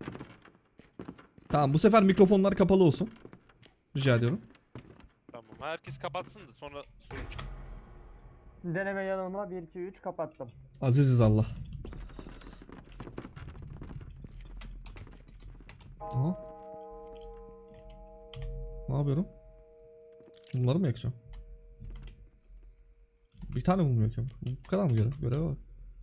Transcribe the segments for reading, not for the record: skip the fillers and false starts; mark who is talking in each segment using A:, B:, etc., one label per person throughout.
A: Tamam, bu sefer mikrofonlar kapalı olsun. Rica ediyorum.
B: Tamam. Herkes kapatsın da sonra sorun çıkar.
C: Deneme yanılma 1 2 3 kapattım.
A: Aziziz Allah. Aha. Ne yapıyorum? Bunları mı yakacağım? Bir tane mum yakıyorum. Bu kadar mı görev var?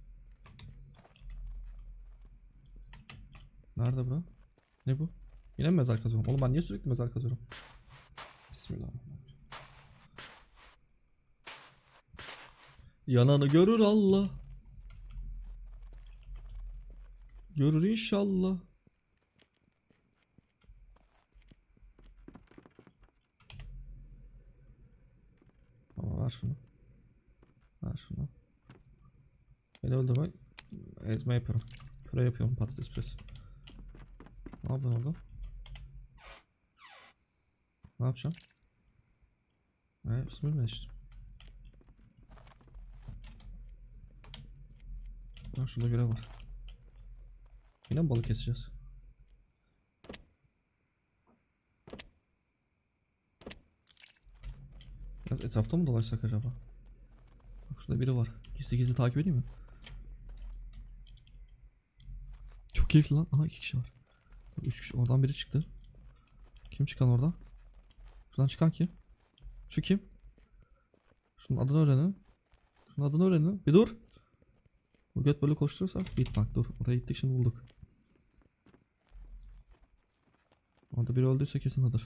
A: Nerede bura? Ne bu? Yine mi mezar kazıyorum? Oğlum ben niye sürekli mezar kazıyorum? Bismillahirrahmanirrahim. Yananı görür Allah. Görür inşallah. Ama ver şunu. Ver şunu. Beni öldürme. Ezme yapıyorum. Püre yapıyorum, patates püresi. Ne yapıyorsun orada? Ne yapacağım? Bismillah işte. Şurada görev var. Yine mi balık keseceğiz? Biraz etrafta mı dolaşsak acaba? Bak şurada biri var. Gizli gizli takip edeyim mi? Çok keyifli lan. Aha 2 kişi var. 3 kişi. Oradan biri çıktı. Kim çıkan oradan? Şuradan çıkan kim? Şu kim? Şunun adını öğrenin. Şunun adını öğrenin. Bir dur. Bu göt böyle koşturursa bit bak dur. Oraya gittik, şimdi bulduk. Orada biri öldüyse kesin odur.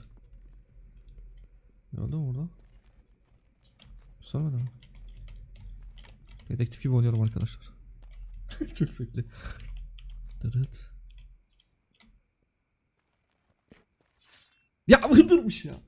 A: Öldü mü orada? Söylemedi mi? Dedektif gibi oynuyorum arkadaşlar. Çok zevkli. Dıdıt. Ya hıdırmış ya.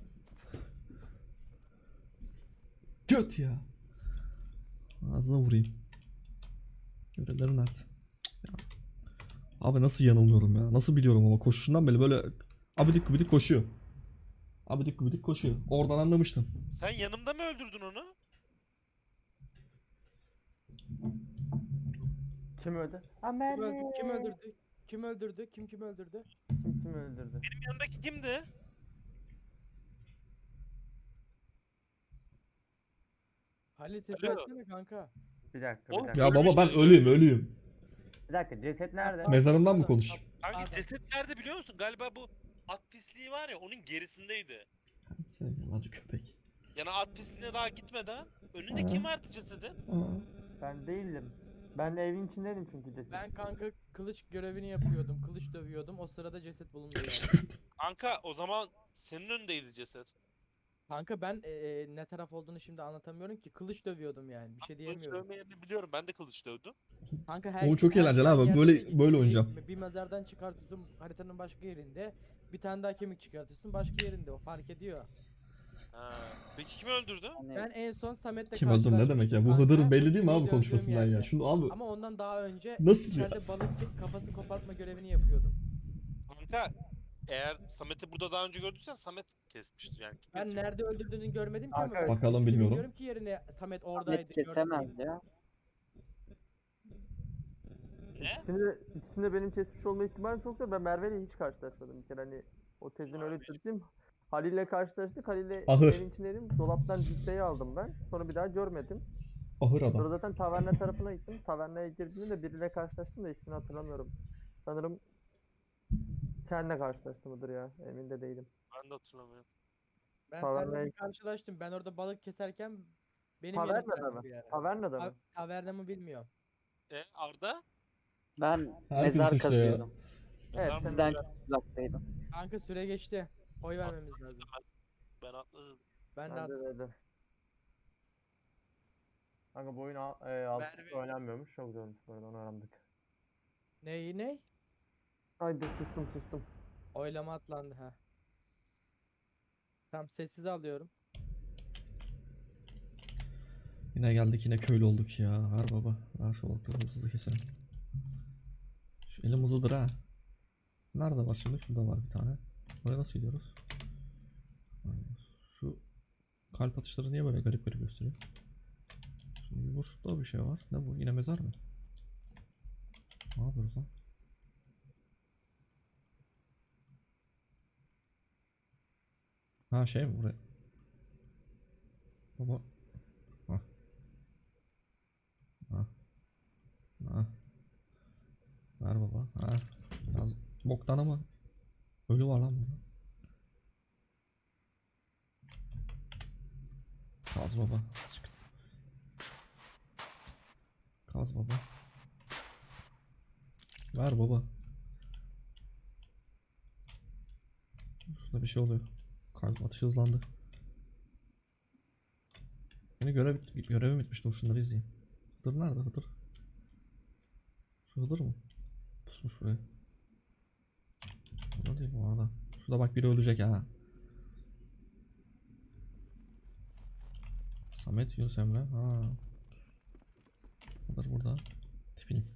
A: Göt ya. Ağzına vurayım. Görevlerim nerede? Ya. Abi nasıl yanılmıyorum ya? Nasıl biliyorum ama koşuşundan beri böyle abidik gubidik koşuyor. Abidik gubidik koşuyor. Oradan anlamıştım.
B: Sen yanımda mı öldürdün onu?
C: Kim öldü?
D: Kim öldürdü? Kim öldürdü? Kim öldürdü?
C: Kim öldürdü?
B: Benim yanımdaki kimdi?
D: Halil sesi
B: Alo.
D: açsana kanka.
C: Bir dakika
B: Oğlum,
C: bir dakika.
A: Ya baba
B: Ölmüş
A: ben
B: de-
A: ölüyüm.
C: Bir dakika, ceset nerede?
A: Mezarından mı konuşayım?
B: Kanka
D: Pardon.
B: ceset nerede biliyor musun? Galiba bu at pisliği var ya, onun gerisindeydi.
A: Sen yalancı köpek.
B: Yani at pisliğine daha gitmeden önünde
A: Ha.
B: kim vardı cesedin?
C: Ben değildim. Ben evin içindeydim çünkü ceset.
D: Ben kanka kılıç görevini yapıyordum. Kılıç dövüyordum. O sırada ceset bulundu yani.
B: Kanka o zaman senin önündeydi ceset.
D: Kanka ben ne taraf olduğunu şimdi anlatamıyorum ki. Kılıç dövüyordum yani. Bir şey
B: Kılıç
D: diyemiyorum.
B: dövme yerini biliyorum, ben de kılıç dövdüm.
D: Kanka
A: Oğlum çok
D: her
A: eğlenceli
D: şey
A: abi.
D: aynı
A: Böyle-
D: yerde değil.
A: böyle
D: Şimdi
A: oynayacağım.
D: Bir mezardan çıkartıyorsun haritanın başka yerinde. Bir tane daha kemik çıkartıyorsun başka yerinde. O fark ediyor.
B: Ha. Peki kim öldürdü?
D: Ben en son Samet'le
A: Kim öldü ne demek ya? Bu
D: kanka.
A: Hıdır'ın
D: O
A: belli değil mi
D: kemiği
A: abi
D: dövdüğüm
A: konuşmasından ya?
D: yerde.
A: Şunu abi
D: Ama ondan daha önce
A: nasıl ya?
D: içeride balık kafası kopartma görevini yapıyordum.
B: Kanka eğer Samet'i burada daha önce gördüysen Samet kesmiştir yani. Kim
D: Ben
B: kesecek?
D: nerede öldürdüğünü görmedim ki ama
C: Kanka,
D: ben
A: bakalım
D: tespiti
A: bilmiyorum.
D: bilmiyorum ki yerine Samet oradaydı
E: Ahmet
D: gördüm
E: kesemez
D: diye.
E: ya.
B: Ne?
C: İkisinde benim kesmiş olma ihtimali çok da ben Merve'yle hiç karşılaşmadım bir kere, hani o tezini öyle
B: Abi.
C: çözdüm. Halil'le karşılaştık. Halil'le
A: Ahır.
C: evin içindeydim. Dolaptan ciddeyi aldım ben. Sonra bir daha görmedim.
A: Ahır
C: Sonra
A: adam.
C: zaten taverna tarafına gittim. Tavernaya girdiğimde biriyle karşılaştım da ismini hatırlamıyorum. Sanırım senle karşılaştım ya. Emin de değilim.
B: Ben de hatırlamıyorum.
D: Ben
C: Tavernaya-
D: seninle bir karşılaştım. Ben orada balık keserken benim
C: Tavernada
D: yanımdaydı
C: mı?
D: bir ara.
C: Tavernada mı?
D: Taverna mı bilmiyorum.
B: Arda?
E: Ben
A: Herkes
E: mezar
A: suçlu ya.
E: kazıyordum.
C: Evet,
B: Sen
C: sen
E: Sizden uzaktaydım.
D: Kanka süre geçti. Oy vermemiz lazım.
B: Ben atladım.
D: Ben de
C: bence
D: attım.
C: de. Kanka bu oyun alt
D: Merve.
C: oynanmıyormuş. Çok zormuş bu arada, onu öğrendik.
D: Ne?
C: Haydi sustum.
D: Oylama atlandı ha. Tamam sessiz alıyorum.
A: Yine geldik, yine köylü olduk ya. Ver baba. Ver şu balıkları hızlı keselim. Şu elim hızlıdır ha. Nerede var şimdi? Şurada var bir tane. Oraya nasıl gidiyoruz? Şu kalp atışları niye böyle garip garip gösteriyor? Şimdi bir boşlukta bir şey var. Ne bu? Yine mezar mı? Ne yapıyoruz lan? Ha şey mi buraya? Baba. Ha. Ha. Ha. Ver baba. Ha. Biraz boktan ama ölü var lan burada. Kaz baba. Çık. Kaz baba. Ver baba. Şurada bir şey oluyor. Kalp atışı hızlandı. Yine görevim bitmiş. Dur şunları izleyeyim. Hıdır nerede Hıdır? Şu Hıdır mı? Pusmuş buraya. Burada değil bu arada. Şurada bak biri ölecek ha. Samet Yunus Emre. Ha. Hıdır burada. Tipiniz.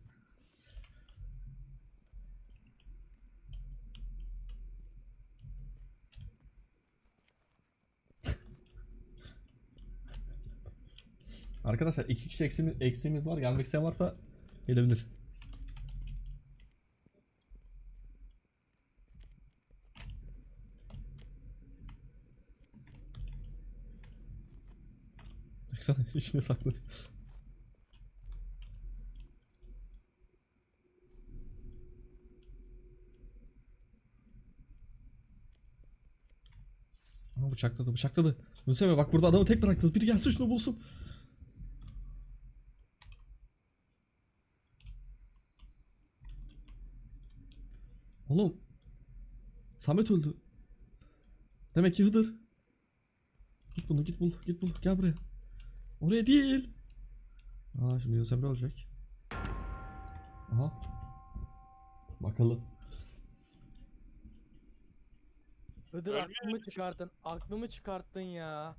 A: Arkadaşlar 2 kişi eksiğimiz var. Gelmek isteyen varsa gelebilir. Baksana içine sakladı. Aa, bıçakladı. Yunus Emre bak burada adamı tek bıraktınız. Biri gelsin şunu bulsun. Oğlum. Samet öldü. Demek ki Hıdır. Git bunu git bul. Gel buraya. Oraya değil. Aa şimdi Yunus Emre ölecek. Aha. Bakalım.
D: Hıdır
B: Ölmüyor
D: aklımı çıkarttın ya.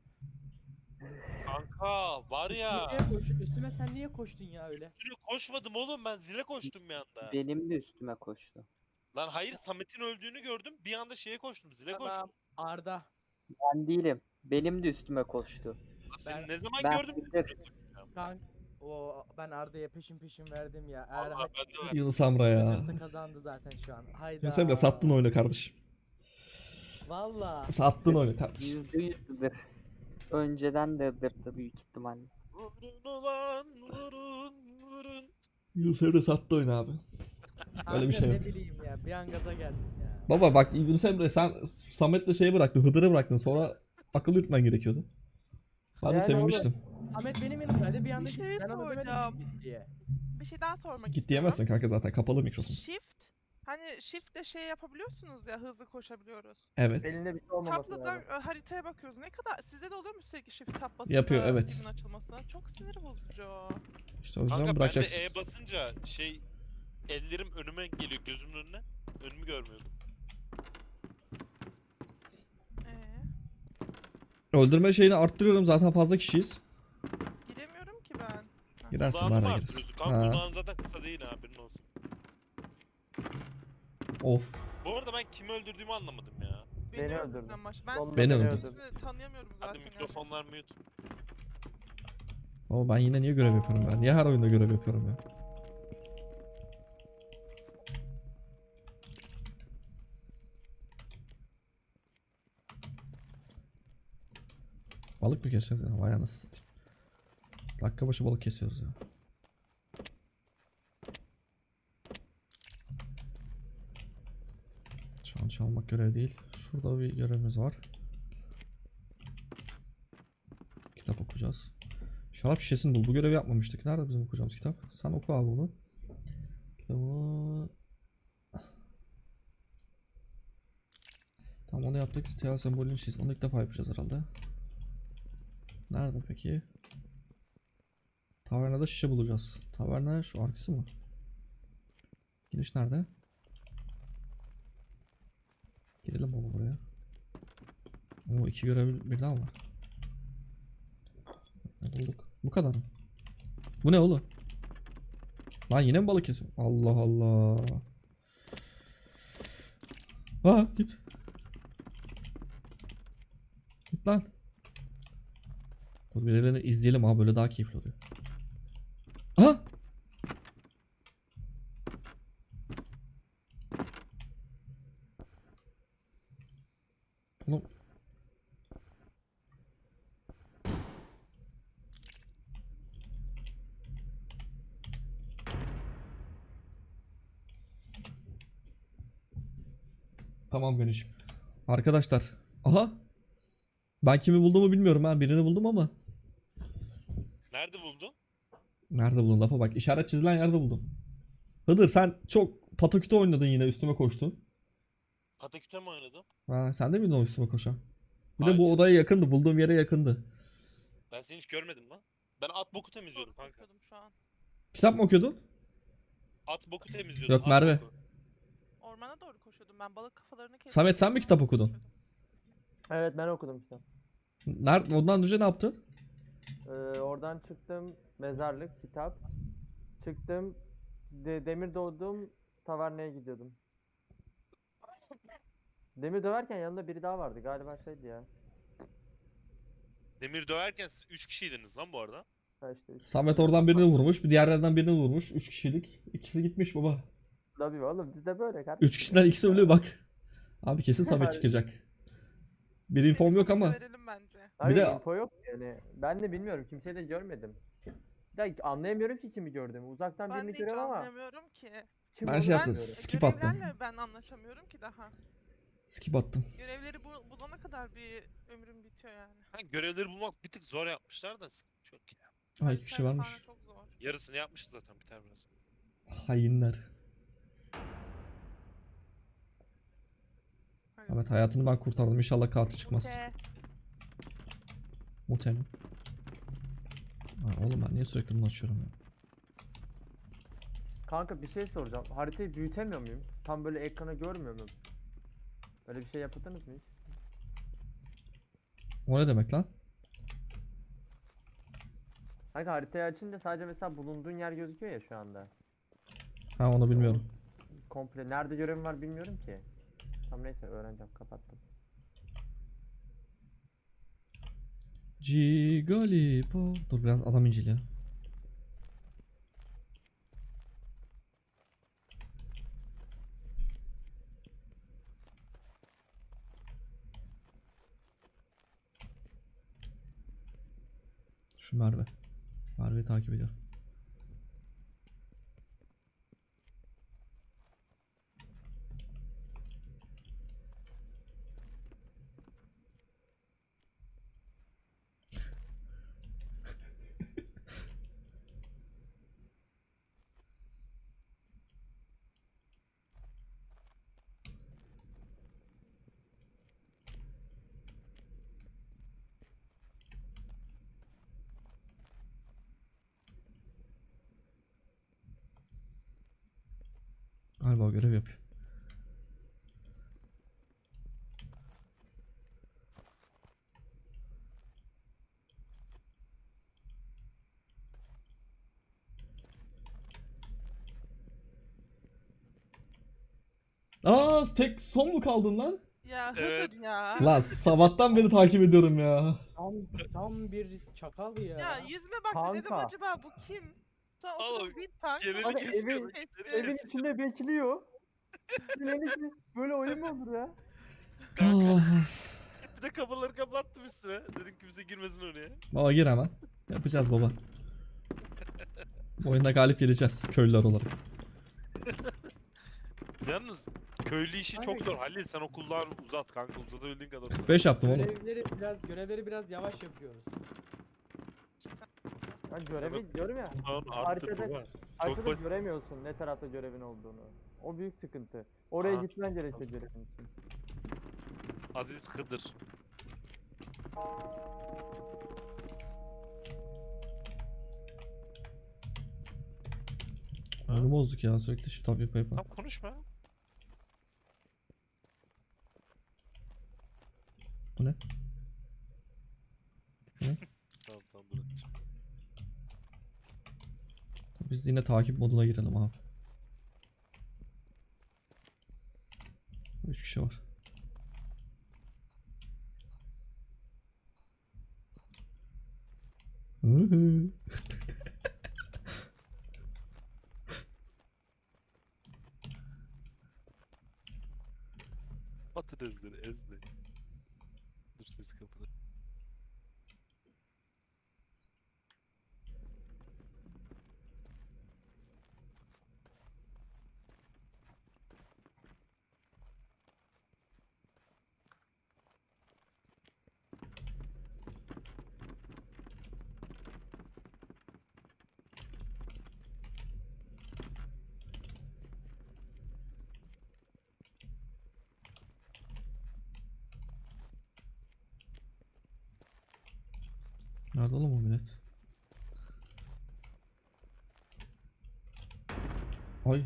B: Kanka var ya.
D: Üstüme sen niye koştun ya öyle?
B: Üstüne koşmadım oğlum, ben zile koştum bir anda.
E: Benim de üstüme koştu.
B: Lan hayır, Samet'in öldüğünü gördüm. Bir anda şeye koştum, zile
D: Tamam
B: koştum.
D: Arda.
E: Ben değilim. Benim de üstüme koştu.
B: Lan seni
D: Ben-
B: ne zaman
E: ben
B: gördüm?
E: Hıdır.
D: Ben Arda'ya peşin verdim ya. Eğer
B: Allah bende var.
A: Yunus Emre ya.
D: Hıdırsa kazandı zaten şu an. Hayda.
A: Yunus Emre sattın oyunu kardeşim.
D: Valla.
A: Sattın oyunu kardeşim.
E: %100 Hıdır. Önceden de Hıdır'dı büyük ihtimalle.
B: Vurun ulan vurun.
A: Yunus Emre sattı oyunu abi. Öyle bir şey yok.
D: Ne bileyim ya. Bir an gaza geldim ya.
A: Baba bak Yunus Emre sen Samet'le şeyi bıraktın. Hıdır'ı bıraktın. Sonra akıl yürütmen gerekiyordu. Ben de
C: Yani
A: sevinmiştim.
D: Ahmet benim yanımdaydı. Bir anda
F: Bir şey
D: gitti. Ben ona demedim
F: soracağım.
D: ki git diye.
F: Bir şey daha sormak
A: Git
F: istiyorum.
A: diyemezsin kanka zaten kapalı mikrofon.
F: Shift. Hani shiftle şey yapabiliyorsunuz ya, hızlı koşabiliyoruz.
A: Evet.
C: Elinde bir şey olmaması
F: Tabloda
C: lazım.
F: haritaya bakıyoruz. Ne kadar sizde de oluyor mu sürekli shift tab basınca
A: Yapıyor, evet.
F: filmin açılması? Çok sinir bozucu.
A: İşte o yüzden
B: Kanka ben de
A: bırakacaksın.
B: E basınca şey, ellerim önüme geliyor, gözümün önüne. Önümü görmüyordum.
A: Öldürme şeyini arttırıyorum zaten fazla kişiyiz.
F: Giremiyorum ki ben.
A: Girersin
B: Cooldown'u mu
A: bari
B: arttırıyorsun?
A: girersin.
B: Kanka
A: Ha.
B: cooldown zaten kısa değil, haberin olsun.
A: Olsun.
B: Bu arada ben kimi öldürdüğümü anlamadım ya.
C: Beni öldürdü.
F: Ben
C: Sonunda
A: Beni
C: beni
A: öldürdü.
C: öldürdü.
F: sizi tanıyamıyorum zaten.
B: Hadi mikrofonlar mute.
A: Ama ben yine niye görev yapıyorum ben? Niye her oyunda görev yapıyorum ya? Balık mı kesiyoruz ya? Vay anasını satayım. Dakika başı balık kesiyoruz ya. Çan çalmak görev değil. Şurada bir görevimiz var. Kitap okuyacağız. Şarap şişesini bul. Bu görevi yapmamıştık. Nerede bizim okuyacağımız kitap? Sen oku abi bunu. Kitabı... Tamam onu yaptık. Ritüel sembolünü çiz. Onu ilk defa yapacağız herhalde. Nerede peki? Tavernada şişe bulacağız. Taverna şu arkası mı? Giriş nerede? Gidelim baba buraya. Oo 2 görev birden var. Bulduk. Bu kadar mı? Bu ne oğlum? Lan yine mi balık kesiyor? Allah Allah. Ha git. Git lan. Dur birilerini izleyelim abi böyle daha keyifli oluyor. Ha? Oğlum. Tamam Ganiş'im. Arkadaşlar. Aha. Ben kimi bulduğumu bilmiyorum ha. Birini buldum ama.
B: Nerede buldun?
A: Nerede buldun lafa bak. İşaret çizilen yerde buldum. Hıdır sen çok pataküte oynadın yine üstüme koştun.
B: Pataküte mi oynadın?
A: Ha, sen de miydin o üstüme koşan? Bir de
B: Hayır.
A: bu odaya yakındı. Bulduğum yere yakındı.
B: Ben seni hiç görmedim lan. Ben at boku temizliyordum
F: Doğru
B: kanka.
F: konuşuyordum şu an.
A: Kitap mı okuyordun?
B: At boku temizliyordum.
A: Yok,
B: at
A: Merve.
B: boku.
F: Ormana doğru koşuyordum. Ben balık kafalarını kestim.
A: Samet, sen mi kitap
F: Ormana
A: okudun?
F: koşuyordum.
C: Evet ben okudum işte.
A: Nerede? Ondan önce ne yaptın?
C: Oradan çıktım mezarlık, kitap. Çıktım demir doğdum taverneye gidiyordum. Demir döverken yanında biri daha vardı galiba şeydi ya.
B: Demir döverken siz 3 kişiydiniz lan bu arada.
C: Ha işte
A: Samet oradan birini vurmuş. Bir diğerlerden birini vurmuş. 3 kişilik. İkisi gitmiş baba.
C: Tabii oğlum bizde böyle kardeşim.
A: 3 kişiden ikisi ölüyor bak. Abi kesin Samet çıkacak. Bir infom
F: Benim
A: yok
F: Samet'e
A: ama.
F: Verelim bence.
C: Hayır,
A: de-
C: info yok yani. Ben de bilmiyorum kimseyi de görmedim. Ya anlayamıyorum ki kimi gördüğümü. Uzaktan
F: Ben
C: birini
F: de hiç
C: görüyorum ama
F: anlayamıyorum ki.
C: kim
A: Ben
C: olduğunu
A: şey yaptım.
C: bilmiyorum.
A: Skip attım.
F: Görevlerle ben anlaşamıyorum ki daha.
A: Skip attım.
F: Görevleri bulana kadar bir ömrüm bitiyor yani.
B: Ha, görevleri bulmak bir tık zor yapmışlar da sıkıntı yok ya.
A: Ha 2 kişi
F: Haritayla
A: varmış.
F: falan çok zor.
B: Yarısını yapmışız zaten biter biraz.
A: Hainler.
F: Hani
A: Samet hayatını ben kurtardım. İnşallah katil çıkmaz.
F: Mute.
A: Mute mi? Ha, oğlum ben niye sürekli bunu açıyorum ya?
C: Kanka bir şey soracağım. Haritayı büyütemiyor muyum? Tam böyle ekrana görmüyor muyum? Öyle bir şey yaptınız mı hiç?
A: O ne demek lan?
C: Kanka haritayı açınca sadece mesela bulunduğun yer gözüküyor ya şu anda.
A: Ha onu bilmiyorum.
C: Komple nerede görevim var bilmiyorum ki. Tamam neyse öğreneceğim kapattım.
A: Gigalipo. Dur biraz adam inceliyor. Şu Merve. Merve'yi takip ediyor. Galiba o görev yapıyor. Aa tek son mu kaldın lan?
F: Ya
B: Evet.
F: Hıdır ya.
A: Lan sabahtan beri takip ediyorum ya.
D: Tam bir çakal ya.
F: Ya yüzüme baktı dedim
C: Kanka.
F: acaba bu kim? Sonra
B: Oğlum,
F: oturdum bir tank.
B: geleni
C: Abi
B: kesiyordu.
C: evin-
B: geleni
C: Evin
B: kesiyordu.
C: içinde bekliyor. Böyle oyun mu olur ya?
B: Kanka. Bir de kapıları kapattım üstüne. Dedim kimse girmesin oraya.
A: Baba gir hemen. Yapacağız baba. Bu oyunda galip geleceğiz köylüler olarak.
B: Yalnız köylü işi
D: Kanka-
B: çok zor. Halil sen okullar uzat kanka. Uzatabildiğin kadar uzat.
A: 5 yaptım oğlum.
D: Görevleri biraz yavaş yapıyoruz.
C: Ben görevi diyorum ya.
B: Bunların arttır
C: Haritada-
B: baba.
C: Haritada
B: basit.
C: göremiyorsun ne tarafta görevin olduğunu. O büyük sıkıntı. Oraya
B: Aa,
C: gitmen gerekiyor
B: haklısın.
C: görevin için.
B: Aziz Kıdır.
A: Oyunu bozduk ya sürekli shift tab yapa yapa.
B: Tam konuşma.
A: Bu ne?
B: Tamam tamam bırakacağım.
A: Biz yine takip moduna girelim abi. 3 kişi var. Hıhı.
B: Patatesleri ezdi. Dur sesi kapalı.
A: Nerede oğlum o millet? Ay.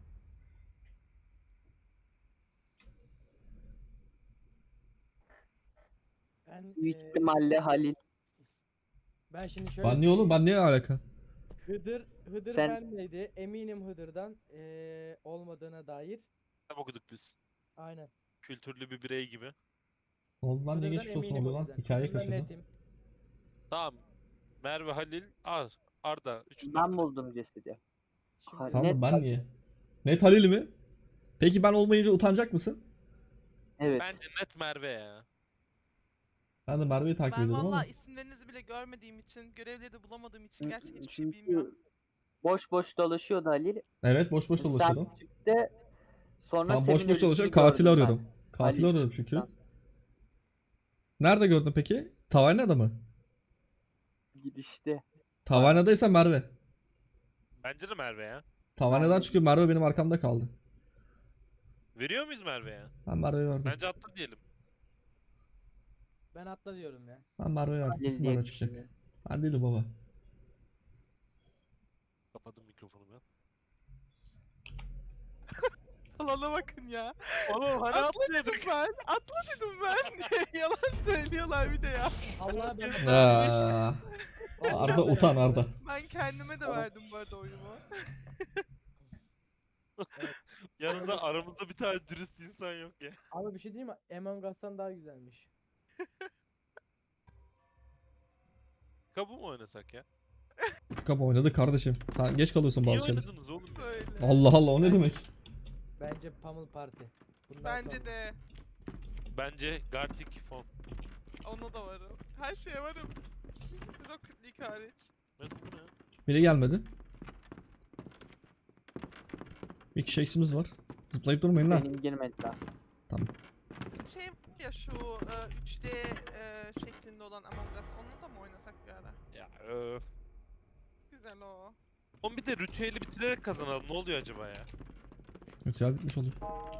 D: Ben
E: Büyük ihtimalle Halil.
D: ben şimdi şöyle
A: Ben niye oğlum?
D: söyleyeyim.
A: Ben niye alaka?
D: Hıdır
E: Sen-
D: bendeydi. Eminim Hıdır'dan olmadığına dair.
B: Kitap okuduk biz.
D: Aynen.
B: Kültürlü bir birey gibi.
A: Oldu lan, ne
D: Hıdır'dan
A: geçmiş olsun
D: eminim
A: oluyor
D: o
A: lan?
D: yüzden.
A: Hikaye
D: Hıdır'dan
A: kaçırdı.
D: netim.
B: Tamam. Merve, Halil, Arda.
E: Ben buldum cesedi.
D: Şimdi
E: Net
A: Tamam da ben
E: Halil.
A: niye? Net Halil mi? Peki ben olmayınca utanacak mısın?
E: Evet.
B: Bence net Merve ya.
A: Ben de Merve'yi takip
F: Ben
A: ediyordum ama.
F: valla isimlerinizi bile görmediğim için, görevleri de bulamadığım için gerçekten hiçbir şey
E: Çünkü
F: bilmiyorum.
E: boş boş dolaşıyordu Halil.
A: Evet, boş boş dolaşıyordum.
E: Sen çıktı. Sonra
A: Tamam, boş
E: senin
A: boş dolaşıyorum.
E: ölüsünü
A: Katili
E: gördüm ben.
A: arıyorum. Katili
E: Halil
A: arıyorum çünkü.
E: çıktıktan.
A: Nerede gördün peki? Tavernada mı?
E: Gidişte.
A: Tavernadaysa Merve.
B: Bence de Merve ya.
A: Tavernadan
E: Merve.
A: çıkıyor. Merve benim arkamda kaldı.
B: Veriyor muyuz Merve'ye?
A: Ben Merve'yi verdim.
B: Bence atla diyelim.
D: ben atla diyorum ya.
A: Ben Merve'yi verdim.
E: Halil
A: Kesin
E: diye
A: Merve çıkacak.
E: düşünüyorum.
A: Ben değilim baba.
B: Kapadım mikrofonu ben.
F: Alana bakın ya.
B: Oğlum hani
F: Atla dedim
B: atlayalım.
F: ben. Atla dedim ben. Yalan söylüyorlar bir de ya.
D: Allah ben
A: Aa, Arda utan Arda.
F: Ben kendime de verdim bu arada oyumu.
B: Yanınızda aramızda bir tane dürüst insan yok ya.
D: Abi bir şey diyeyim mi? Among Us'tan daha güzelmiş.
B: Kabu mu oynasak ya?
A: Kapı oynadı kardeşim. Sen geç kalıyorsun
B: Niye
A: bazı şeyler.
B: oynadınız oğlum ya?
F: Böyle.
A: Allah Allah, o ne demek?
D: Bence Pummel Party. Bundan
F: Bence
D: sonra.
F: de.
B: Bence Gartic Fon.
F: Ona da varım. Her şeye varım. Rocket League hariç.
B: Ne bu ne?
A: Biri gelmedi. Bir kişi eksimiz var. Zıplayıp durmayın lan.
E: Benim girmediler.
F: Şey ya şu 3D şeklinde olan Among Us. Onu da mı oynasak bir ara?
B: Ya
F: Güzel o.
B: Oğlum bir de ritüeli bitirerek kazanalım. Ne oluyor acaba ya?
A: Ritüel bitmiş oluyor.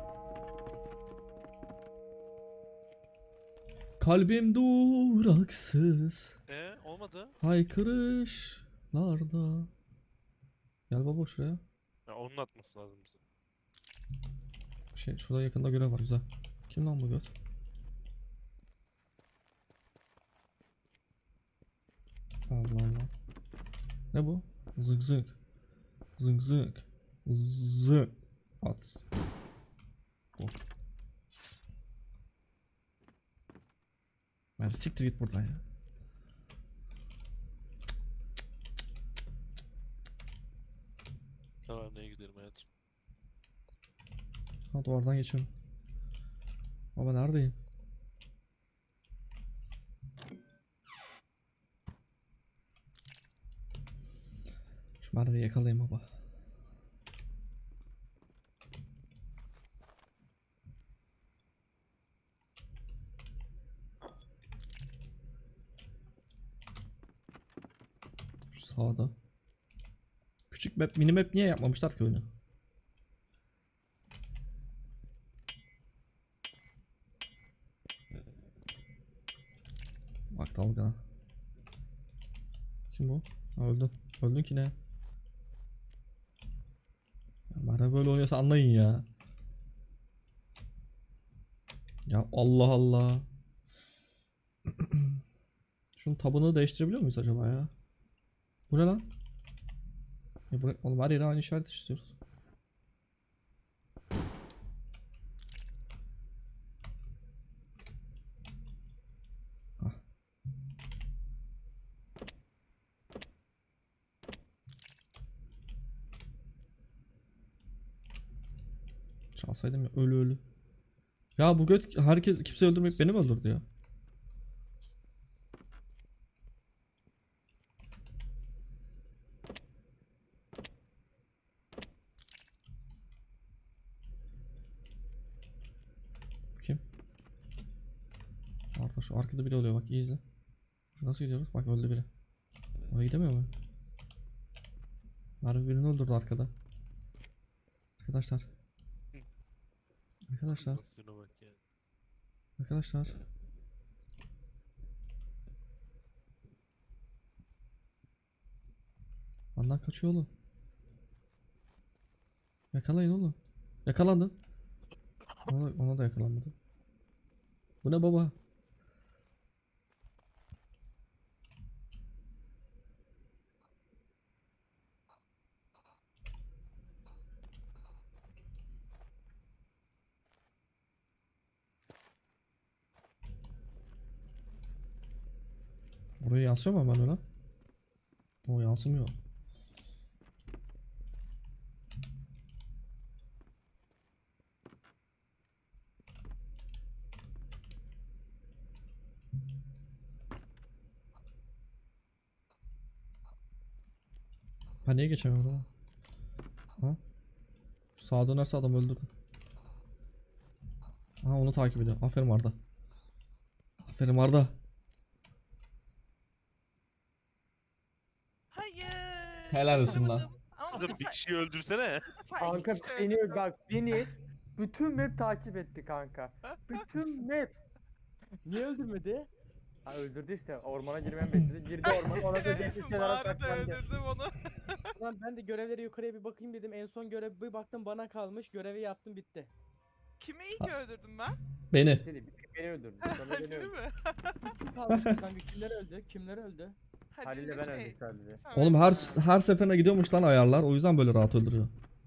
A: Kalbim duraksız.
B: Olmadı.
A: Haykırışlarda. Gel baba şuraya.
B: Ya onun atması lazım bize.
A: Şurada yakında görev var, güzel. Kim lan bu göt? Allah Allah. Ne bu? Zık zık. Zık zık. Zık. At. Oh. Ver siktir git buradan ya.
B: Taverneye gidelim hayatım.
A: Ha, duvardan geçiyorum. Baba neredeyim? Şu Merve'yi yakalayayım baba. Şu sağda. Küçük map, mini map niye yapmamışlar ki oyunu? Bak dalgana. Kim bu? Ha, öldün. Öldün ki ne? Ya Merve böyle oynuyorsa anlayın ya. Ya Allah Allah. Şunun tabını değiştirebiliyor muyuz acaba ya? Bu ne lan? Oğlum her yere aynı işaret istiyoruz. Hah. Çalsaydım ya, ölü ölü. Ya bu göt herkes kimse öldürmeyip beni mi öldürdü ya? Kim? Arda şu arkada biri oluyor, bak iyi izle. Nasıl gidiyoruz? Bak öldü biri. Oraya gidemiyor mu? Merve birini öldürdü arkada. Arkadaşlar. Arkadaşlar.
B: Nasılına bak ya.
A: Arkadaşlar. Benden kaçıyor oğlum. Yakalayın oğlum. Yakalandın. Ona da yakalanmadı. Bu ne baba? Oraya yansıyor mu hemen öyle? O yansımıyor. Ben niye geçemiyorum oraya? Ha? Sağa dönerse adam öldürür. Aha onu takip ediyor. Aferin Arda. Aferin Arda.
F: Hayır.
A: Helal olsun lan.
F: başaramadım. Ama bu
B: Kızım bir
F: sefer,
B: kişiyi öldürsene.
F: bu sefer
C: Kanka
F: iki kişi
C: beni
F: öldürdüm.
C: bak beni bütün map takip etti kanka. Bütün map.
D: Niye öldürmedi?
C: Ha, öldürdü işte. Ormana girmemi bekledi. Girdi ormana. Ona da dehşet kenara
F: Mağarada
C: saklandı.
F: öldürdüm onu.
D: Lan ben de görevleri yukarıya bir bakayım dedim. En son görev bir baktım bana kalmış. Görevi yaptım bitti.
F: Kimi iyi ki öldürdüm ben?
A: Beni.
C: Seni beni öldürdü. Sonra beni
F: Halil'i
C: öldürdü.
F: mi?
D: Kim kalmış kanka? Kimler öldü? Kimler öldü?
C: Halil'le ben
F: şey,
C: öldüm sadece.
A: Oğlum her
F: Samet.
A: her seferine gidiyormuş lan ayarlar. O yüzden böyle rahat öldürüyor.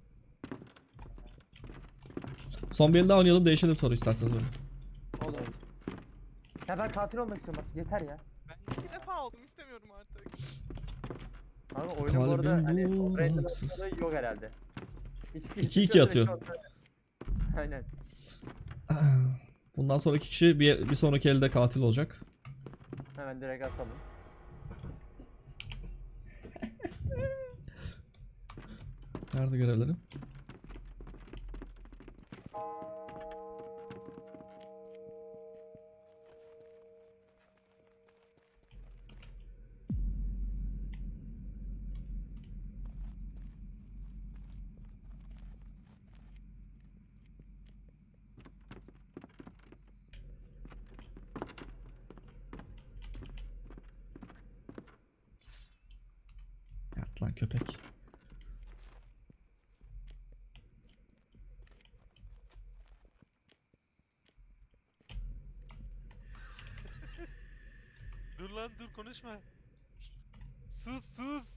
A: Son bir el daha oynayalım, değişelim sonra isterseniz oyunu.
D: Oğlum.
C: Ya ben katil olmak istiyorum bak. Yeter ya.
F: Ben 2 defa oldum istemiyorum artık.
C: Ama oyunun bu arada
A: Kalbim
C: hani operator
A: duraksız.
C: opsiyonu yok herhalde.
A: 2-2 atıyor.
C: Aynen.
A: Bundan sonraki kişi bir sonraki elde katil olacak.
C: Hemen direkt atalım.
A: Nerede görevlerim? Yat lan köpek.
B: Dur lan dur konuşma. Sus sus.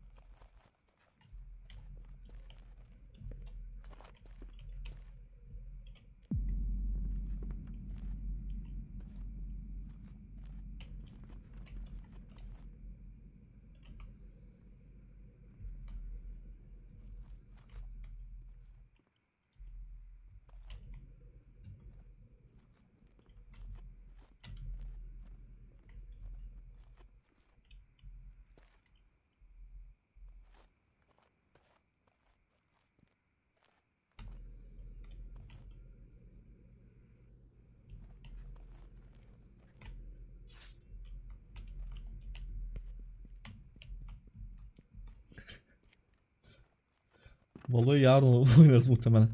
A: Vallahi yarın oynarız muhtemelen.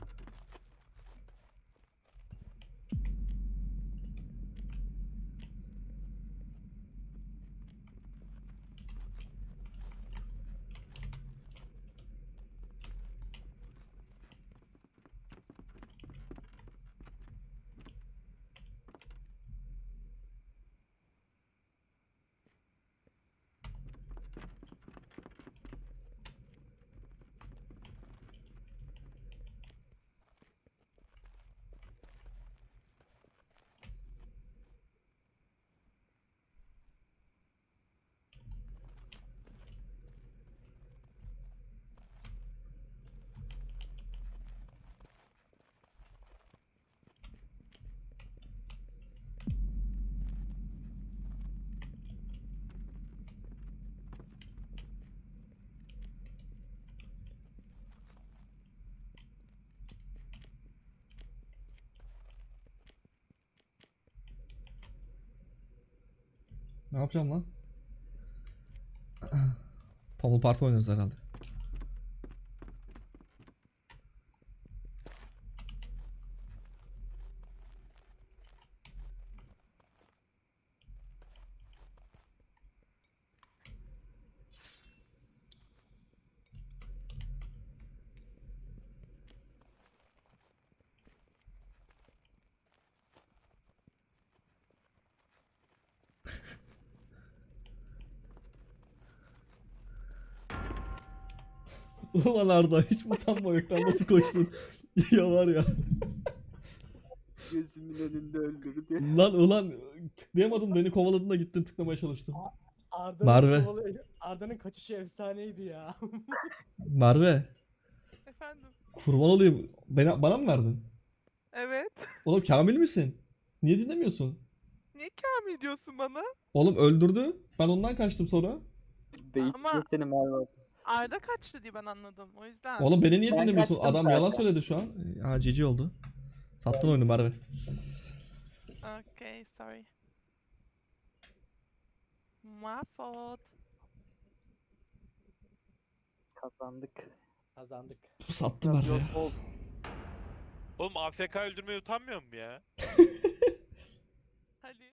A: Ne yapacağım lan? Pummel Party oynarız herhalde. Ulan Arda hiç mi utanma yok lan nasıl koştun? Ya var ya.
E: Gözümün önünde öldürdü.
A: Ulan tıklayamadım beni kovaladın da gittin tıklamaya çalıştın.
D: Arda'nın
A: Merve.
D: Arda'nın kaçışı efsaneydi ya.
A: Merve
F: Efendim.
A: kurban olayım. Bana mı verdin?
F: Evet.
A: Oğlum Kamil misin? Niye dinlemiyorsun?
F: Niye Kamil diyorsun bana?
A: Oğlum öldürdü. Ben ondan kaçtım sonra.
E: Beyitliyor seni Merve.
F: Arda kaçtı diye ben anladım. O yüzden.
A: Oğlum beni niye
E: Ben
A: dinlemiyorsun?
E: kaçtım
A: Adam yalan
E: zaten.
A: söyledi şu an. Ha cici oldu. Sattın oyunu Merve.
F: Okay, sorry. My fault.
E: Kazandık.
D: Kazandık.
A: Sattı Merve ya.
B: Oğlum AFK öldürmeye utanmıyor mu ya?